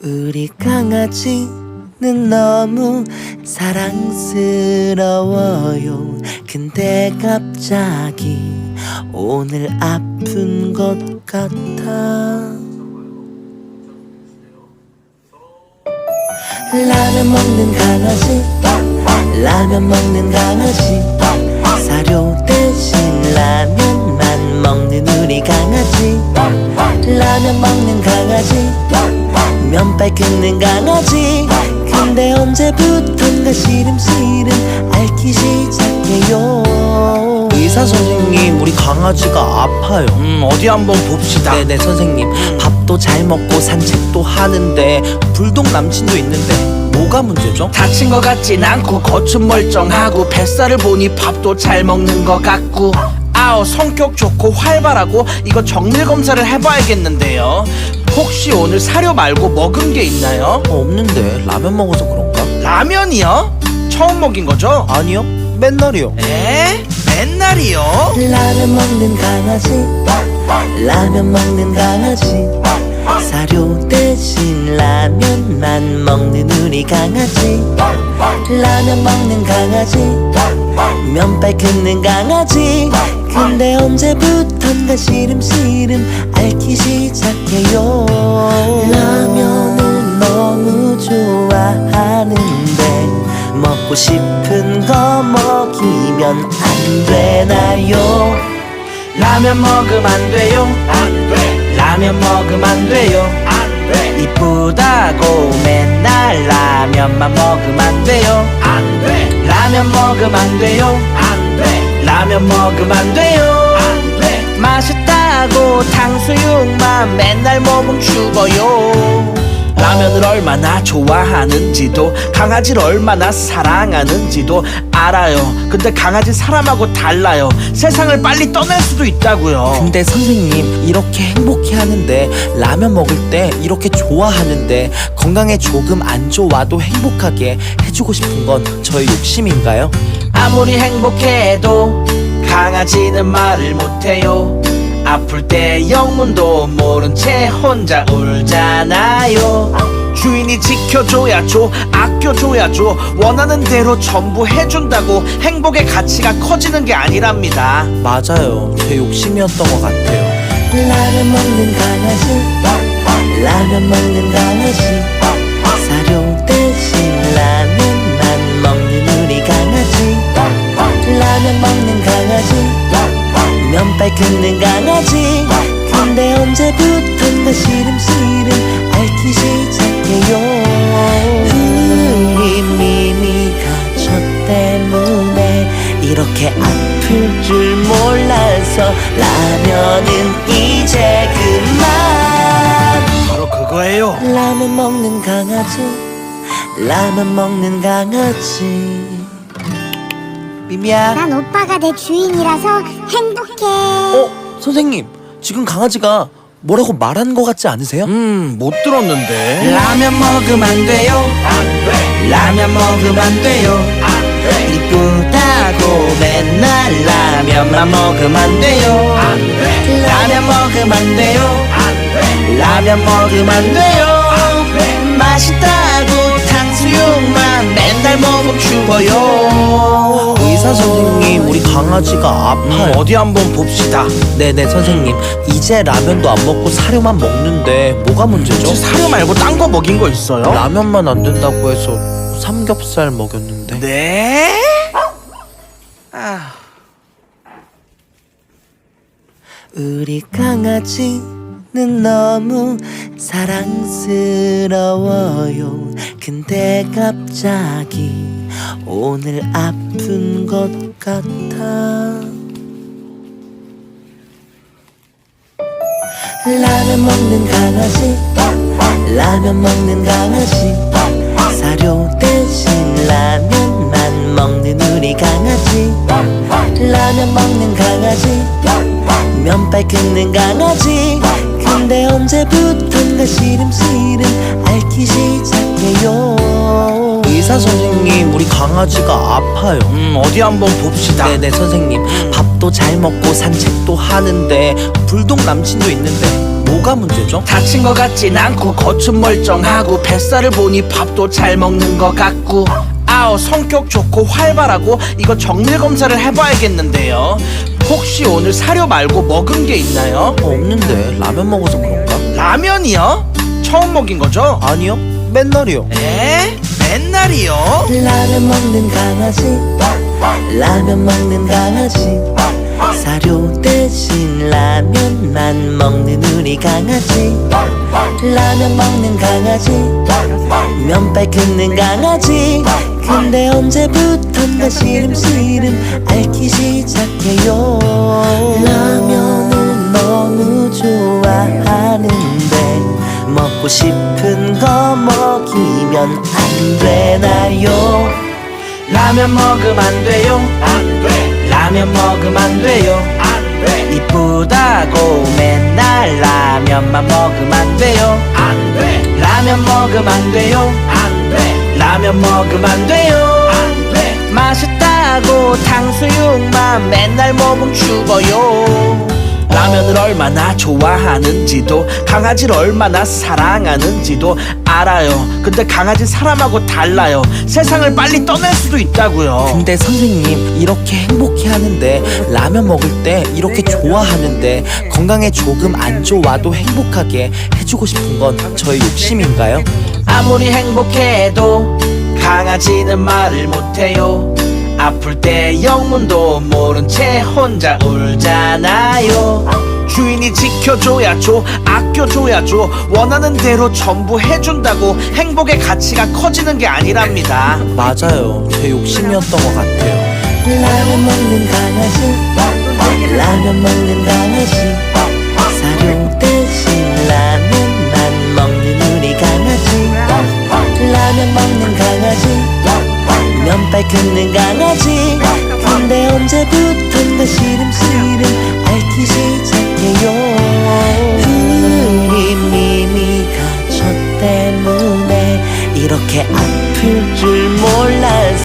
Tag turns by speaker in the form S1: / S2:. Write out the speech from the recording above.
S1: 우리 강아지는 너무 사랑스러워요. 근데 갑자기 오늘 아픈 것 같아. 라면 먹는 강아지, 라면 먹는 강아지, 사료 대신 라면만 먹는 우리 강아지. 라면 먹는 강아지, 면발 긁는 강아지. 근데 언제부턴가 시름시름 앓기 시작해요. 의사 선생님, 우리 강아지가 아파요.
S2: 어디 한번 봅시다.
S1: 네네 선생님. 밥도 잘 먹고 산책도 하는데 불독 남친도 있는데 뭐가 문제죠?
S2: 다친 것 같진 않고 겉은 멀쩡하고 뱃살을 보니 밥도 잘 먹는 것 같고, 아우 성격 좋고 활발하고 이거 정밀 검사를 해봐야겠는데요. 혹시 오늘 사료 말고 먹은 게 있나요?
S1: 없는데 라면 먹어서 그런가?
S2: 라면이요? 처음 먹인 거죠?
S1: 아니요, 맨날이요.
S2: 에? 맨날이요?
S1: 라면 먹는 강아지, 라면 먹는 강아지, 사료 대신 라면만 먹는 우리 강아지. 라면 먹는 강아지, 면발 긁는 강아지. 근데 언제부턴가 시름시름 앓기 시작해요. 라면을 너무 좋아하는데 먹고 싶은 거 먹이면 안 되나요?
S2: 라면 먹으면 안 돼요. 안 돼. 라면 먹으면 안 돼요. 안 돼. 이쁘다고 맨날 라면만 먹으면 안 돼요. 안 돼. 라면 먹으면 안 돼요. 안 돼. 라면 먹으면 안 돼요. 안 돼. 맛있다고 탕수육만 맨날 먹으면 죽어요. 라면을 얼마나 좋아하는지도 강아지를 얼마나 사랑하는지도 알아요. 근데 강아지 사람하고 달라요. 세상을 빨리 떠날 수도 있다고요.
S1: 근데 선생님, 이렇게 행복해 하는데 라면 먹을 때 이렇게 좋아하는데 건강에 조금 안 좋아도 행복하게 해주고 싶은 건 저의 욕심인가요?
S2: 아무리 행복해도 강아지는 말을 못해요. 아플 때 영문도 모른 채 혼자 울잖아요. 주인이 지켜줘야죠, 아껴줘야죠. 원하는 대로 전부 해준다고 행복의 가치가 커지는 게 아니랍니다.
S1: 맞아요, 제 욕심이었던 것 같아요. 라면 먹는 강아지, 라면 먹는 강아지, 사료 대신 라면만 먹는 우리 강아지. 라면 먹는 강아지, 면발 긁는 강아지. 근데 언제부턴가 시름시름 앓기 시작해요. 우리 미미가 저 때문에 이렇게 아플 줄 몰라서 라면은 이제 그만.
S2: 바로 그거예요.
S1: 라면 먹는 강아지, 라면 먹는 강아지. 미미야.
S3: 난 오빠가 내 주인이라서 행복해.
S1: 선생님, 지금 강아지가 뭐라고 말한 것 같지 않으세요?
S2: 못 들었는데. 라면 먹으면 안 돼요. 안 돼. 라면 먹으면 안 돼요. 안 돼. 이쁘다고 맨날 라면만 먹으면 안 돼요. 안 돼. 라면 먹으면 안 돼요. 안 돼. 라면 먹으면 안 돼요. 안 돼. 맛있다고 탕수육만 맨날 먹으면 죽어요.
S1: 의사 선생님, 우리 강아지가 아파요.
S2: 어디 한번 봅시다.
S1: 네네 선생님. 이제 라면도 안 먹고 사료만 먹는데 뭐가 문제죠?
S2: 혹시 사료 말고 딴 거 먹인 거 있어요?
S1: 라면만 안 된다고 해서 삼겹살 먹였는데.
S2: 네?
S1: 우리 강아지는 너무 사랑스러워요. 근데 갑자기 오늘 아픈 것 같아. 라면 먹는 강아지, 라면 먹는 강아지, 사료 대신 라면만 먹는 우리 강아지. 라면 먹는 강아지, 면발 긁는 강아지. 근데 언제부턴가 시름시름 앓기 시작해요. 의사 선생님, 우리 강아지가 아파요.
S2: 어디 한번 봅시다.
S1: 네네 선생님. 밥도 잘 먹고 산책도 하는데 불독 남친도 있는데 뭐가 문제죠?
S2: 다친 것 같진 않고 겉은 멀쩡하고 뱃살을 보니 밥도 잘 먹는 것 같고 아우 성격 좋고 활발하고 이거 정밀 검사를 해봐야겠는데요. 혹시 오늘 사료 말고 먹은 게 있나요?
S1: 없는데 라면 먹어서 그런가?
S2: 라면이요? 처음 먹인 거죠?
S1: 아니요, 맨날이요.
S2: 에? 맨날이요?
S4: 라면 먹는 강아지 라면 먹는 강아지 사료 대신 라면만 먹는 우리 강아지 라면 먹는 강아지 면발 긁는 강아지 근데 언제부턴가 시름시름 앓기 시작해요 라면을 너무 좋아하는데 먹고 싶은 거 먹이면 안 되나요?
S2: 라면 먹으면 안 돼요. 안 돼. 라면 먹으면 안 돼요. 안 돼. 이쁘다고 맨날 라면만 먹으면 안 돼요. 안 돼. 라면 먹으면 안 돼요. 안 돼. 라면 먹으면 안 돼요. 안 돼. 맛있다고 탕수육만 맨날 먹으면 죽어요. 라면을 얼마나 좋아하는지도 강아지를 얼마나 사랑하는지도 알아요. 근데 강아지 사람하고 달라요. 세상을 빨리 떠날 수도 있다고요.
S1: 근데 선생님, 이렇게 행복해하는데 라면 먹을 때 이렇게 좋아하는데 건강에 조금 안 좋아도 행복하게 해주고 싶은 건 저의 욕심인가요?
S2: 아무리 행복해도 강아지는 말을 못해요. 아플 때 영문도 모른 채 혼자 울잖아요. 주인이 지켜줘야죠, 아껴줘야죠. 원하는 대로 전부 해준다고 행복의 가치가 커지는 게 아니랍니다.
S1: 맞아요, 제 욕심이었던 것 같아요.
S4: 라면 먹는 강아지 라면 먹는 강아지 사료 대신 라면만 먹는 우리 강아지 라면 먹는 강아지 면발 긁는 강아지 근데 언제부턴가 시름시름 앓기 시작해요 우리 미미가 저 때문에 이렇게 아플 줄 몰라